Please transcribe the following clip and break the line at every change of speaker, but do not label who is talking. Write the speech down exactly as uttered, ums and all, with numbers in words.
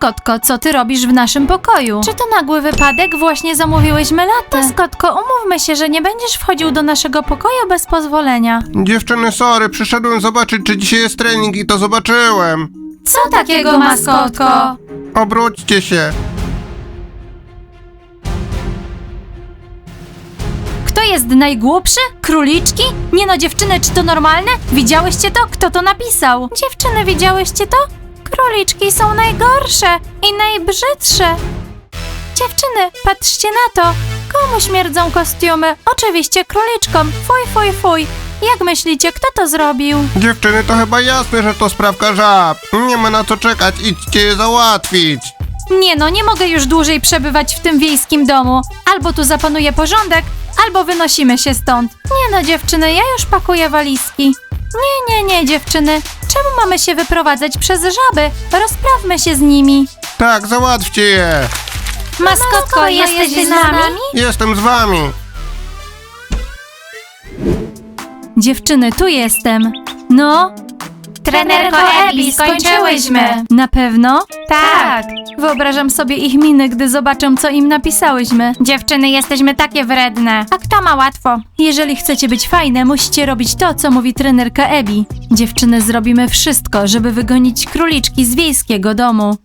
Maskotko, co ty robisz w naszym pokoju? Czy to nagły wypadek? Właśnie zamówiłyśmy latę. Maskotko, umówmy się, że nie będziesz wchodził do naszego pokoju bez pozwolenia.
Dziewczyny, sorry, przyszedłem zobaczyć, czy dzisiaj jest trening i to zobaczyłem.
Co takiego, maskotko?
Obróćcie się.
Kto jest najgłupszy? Króliczki? Nie no, dziewczyny, czy to normalne? Widziałyście to? Kto to napisał? Dziewczyny, widziałyście to? Króliczki są najgorsze i najbrzydsze. Dziewczyny, patrzcie na to. Komu śmierdzą kostiumy? Oczywiście króliczkom. Fuj, fuj, fuj. Jak myślicie, kto to zrobił?
Dziewczyny, to chyba jasne, że to sprawka żab. Nie ma na co czekać, idźcie je załatwić.
Nie no, nie mogę już dłużej przebywać w tym wiejskim domu. Albo tu zapanuje porządek, albo wynosimy się stąd. Nie no, dziewczyny, ja już pakuję walizki. Nie, nie, nie, dziewczyny. Czemu mamy się wyprowadzać przez żaby? Rozprawmy się z nimi.
Tak, załatwcie je.
Maskotko, jesteś z nami?
Jestem z wami.
Dziewczyny, tu jestem. No?
Trenerko Ebi, skończyłyśmy.
Na pewno?
Tak.
Wyobrażam sobie ich miny, gdy zobaczą, co im napisałyśmy.
Dziewczyny, jesteśmy takie wredne. A kto ma łatwo?
Jeżeli chcecie być fajne, musicie robić to, co mówi trenerka Ebi. Dziewczyny, zrobimy wszystko, żeby wygonić króliczki z wiejskiego domu.